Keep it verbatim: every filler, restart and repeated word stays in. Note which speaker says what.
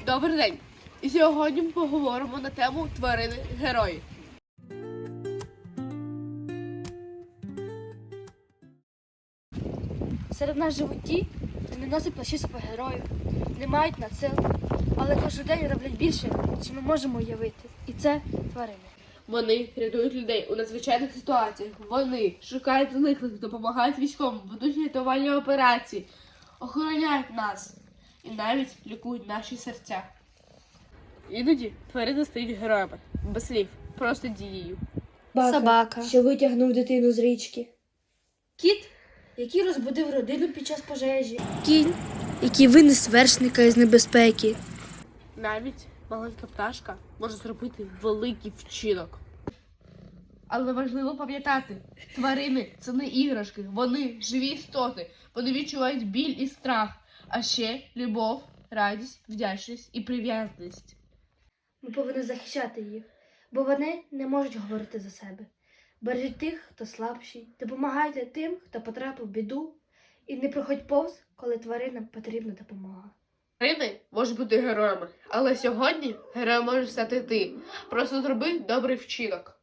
Speaker 1: Добрий день! І сьогодні ми поговоримо на тему тварини-герої.
Speaker 2: Серед нас живуть ті, хто не носить плащі супергероїв, не мають надсил, але кожен день роблять більше, ніж ми можемо уявити. І це тварини.
Speaker 1: Вони рятують людей у надзвичайних ситуаціях. Вони шукають зниклих, допомагають військовим, ведуть рятувальні операції, охороняють нас і навіть лікують наші серця. Іноді тварини стають героями, без слів, просто дією.
Speaker 2: Собака,
Speaker 3: що витягнув дитину з річки.
Speaker 2: кіт, який розбудив родину під час пожежі.
Speaker 3: Кінь, який винес вершника із небезпеки.
Speaker 1: Навіть маленька пташка може зробити великий вчинок. Але важливо пам'ятати, тварини – це не іграшки, вони живі істоти, вони відчувають біль і страх, а ще любов, радість, вдячність і прив'язаність.
Speaker 2: Ми повинні захищати їх, бо вони не можуть говорити за себе. Бережіть тих, хто слабший, допомагайте тим, хто потрапив в біду, і не проходь повз, коли тваринам потрібна допомога.
Speaker 1: Тварини можуть бути героями, але сьогодні героєм може стати ти. Просто зроби добрий вчинок.